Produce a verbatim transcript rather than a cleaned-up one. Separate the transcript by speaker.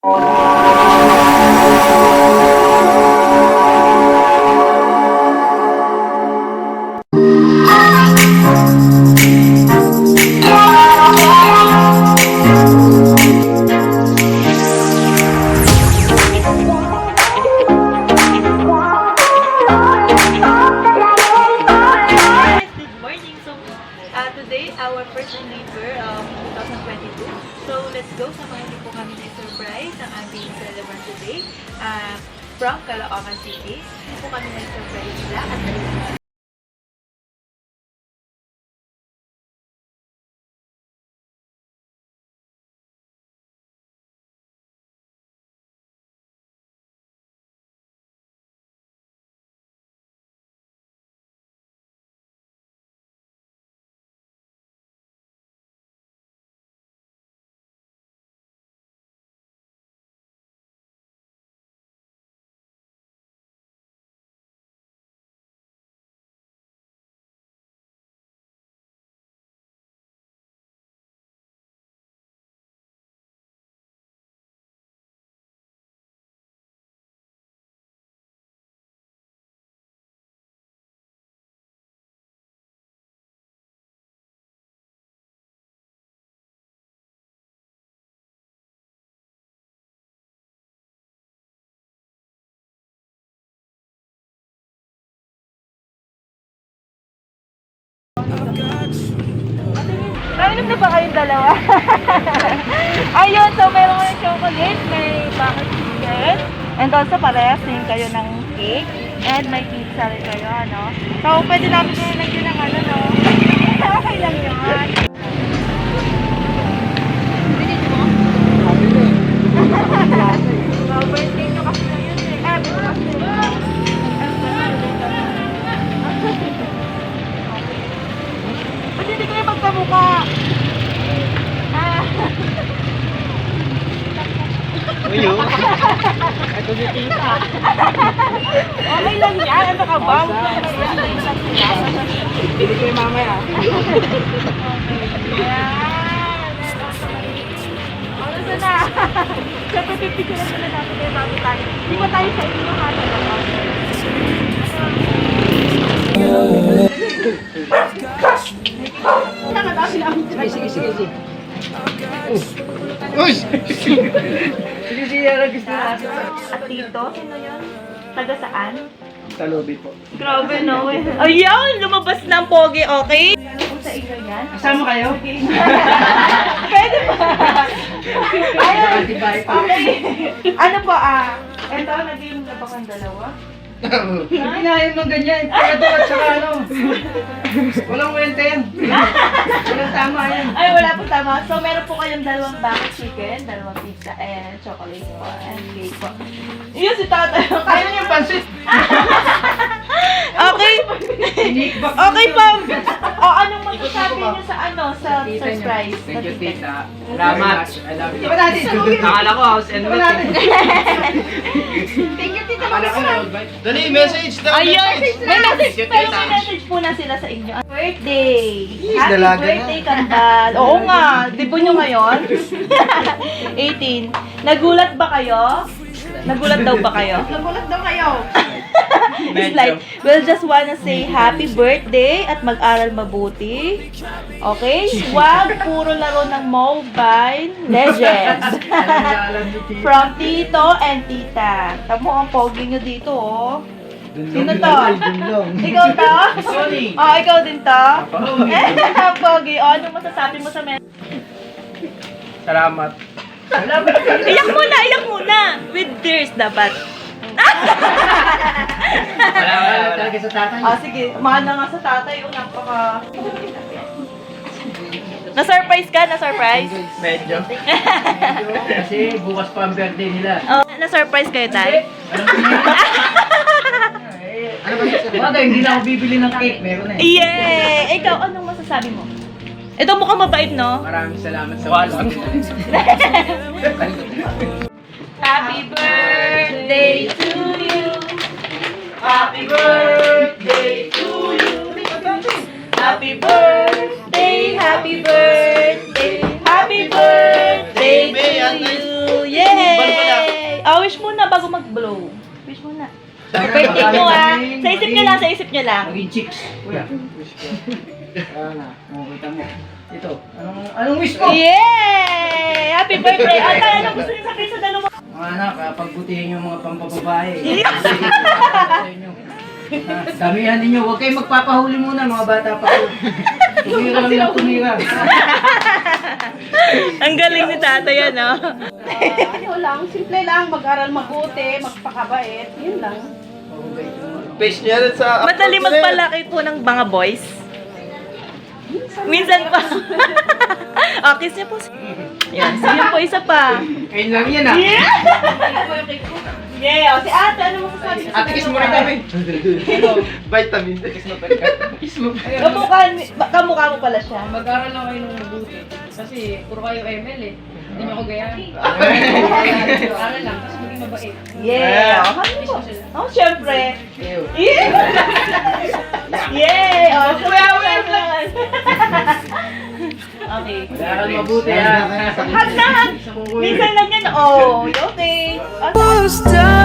Speaker 1: Our first deliver of twenty twenty-two. So let's go. Samahan niyo po kami ng surprise ang aming celebrant today uh, from Caloocan City. Hindi po kami ng surprise nila at nainom na ba kayong dalawa? Ayun, so meron kayong chocolate, may bakit chicken, and also parehas din kayo ng cake, and may pizza rin kayo, ano? So, pwede namin kayo lagyan ng ano, no? Okay lang yun. Bilis mo? So, birthday nyo kasi na yun eh. Eh, bukas eh. Ba't hindi kayo magkamukha? Ah.
Speaker 2: Uyo. Ito si tita.
Speaker 1: Okay lang yan. Ano ka ba?
Speaker 2: Hindi ko yung mamaya.
Speaker 1: Yan. Ano na na? Siyempre, pipicturean na natin kayo bago tayo. Hindi pa tayo sa inyo ha.
Speaker 2: Sige, sige, sige, sige. Uy! Sige, sige, ano gusto natin?
Speaker 1: At dito, sino yun? Taga saan?
Speaker 2: Talobi po.
Speaker 1: Grabe no eh. Ayun! Lumabas na ang pogi, okay? Ano po sa inyo yan?
Speaker 2: Kasama kayo?
Speaker 1: Pwede ba? Ayun! Okay. Ano po ah? Ito, naging na ba kang dalawa?
Speaker 2: Hindi na yun ng ganyan. Kaya doon at saka ano. Walang wente yan. Walang tama yan.
Speaker 1: Ay, wala po tama. So, meron po kayong dalawang bakit chicken, dalawang pizza, and chocolate po, and cake po. Yun si tatay.
Speaker 2: Kaya niyo yung pansit.
Speaker 1: Okay. Okay po. O, anong masasabi niyo sa ano, sa surprise?
Speaker 3: Thank you, tita.
Speaker 2: Salamat.
Speaker 3: I love you.
Speaker 2: Diba natin?
Speaker 3: Nakala ko house and
Speaker 2: Diba natin?
Speaker 1: Thank you, tita.
Speaker 3: Akala ko road bike.
Speaker 2: Dali, message daw.
Speaker 1: Ayun! May message,
Speaker 3: Thank you,
Speaker 1: pero
Speaker 3: tita.
Speaker 1: may message po na sila sa inyo. Birthday! Happy
Speaker 2: dalaga na.
Speaker 1: birthday, Kambal! Oo nga, di po nyo ngayon? eighteen. Nagulat ba kayo? Nagulat daw ba kayo?
Speaker 2: Nagulat daw kayo.
Speaker 1: It's like, we'll just wanna say happy birthday at mag-aral mabuti. Okay? Huwag puro laro ng Mobile Legends. From Tito and Tita. Tamo ang pogi nyo dito, oh. Sino to? Ikaw to?
Speaker 2: Sorry.
Speaker 1: Oh, ikaw din to? Pogi. Oh, anong masasabi mo sa men?
Speaker 3: Salamat.
Speaker 1: Iyak muna, iyak muna. With tears dapat.
Speaker 3: Wala, wala,
Speaker 2: Talaga sa tatay.
Speaker 1: Ah, sige. Mahal na nga sa tatay. Oh, napaka... Na-surprise ka? Na-surprise?
Speaker 3: Medyo.
Speaker 2: Kasi bukas pa ang birthday nila.
Speaker 1: Oh, na-surprise kayo, tay?
Speaker 2: Ano ba yun? Bagay, hindi na ako bibili ng cake. Meron eh.
Speaker 1: Yeah! Ikaw, anong masasabi mo? Ito mukhang mabait, no?
Speaker 3: Maraming salamat sa wala.
Speaker 1: Happy birthday to you. Happy birthday to you. Happy birthday, happy birthday, happy birthday to you. Yeah! Oh, wish muna bago mag-blow. Wish muna. Birthday nyo ah. Sa isip nyo lang, sa isip nyo lang.
Speaker 2: Maging chicks. Kuya. Ayan na. O, kita mo. Ito. Anong, anong wish mo?
Speaker 1: Yay! Happy birthday! Ata, ano gusto niyo sabihin sa dalawa?
Speaker 2: Mga anak, ah, pagbutihin yung mga pampababae. Sa inyo. Ah, damihan ninyo. Huwag kayong magpapahuli muna, mga bata pa kayo. Tumira lang ng tumira.
Speaker 1: Ang galing ni tatay, ano?
Speaker 4: Ano lang, simple lang, mag-aral mabuti, magpakabait, yun lang.
Speaker 3: Page niya rin sa...
Speaker 1: Madali magpalaki po ng mga boys. Minsan pa. Oh, kiss niya po. Yan, sige po, isa pa.
Speaker 2: Ayun lang yan ah.
Speaker 1: Yeah! Yeah, oh, si ate, ano mo sasabi?
Speaker 2: Ate, kiss mo rin kami.
Speaker 3: Vitamin. Kiss mo pa rin.
Speaker 2: Kiss mo.
Speaker 1: Kamukha, kamukha mo pala siya.
Speaker 4: Mag-aral lang kayo ng mabuti. Kasi puro kayo M L eh. Hindi niyo ako gayahin. Aral lang, tapos maging mabait.
Speaker 1: Yeah! Oh, ano po? Oh, syempre.
Speaker 2: Ew.
Speaker 1: Yeah! Yay! Oh, kuya, wait lang. Okay.
Speaker 2: Mag-aral mabuti ah.
Speaker 1: Hag na hag. Minsan lang yan. Oh, okay. Oh,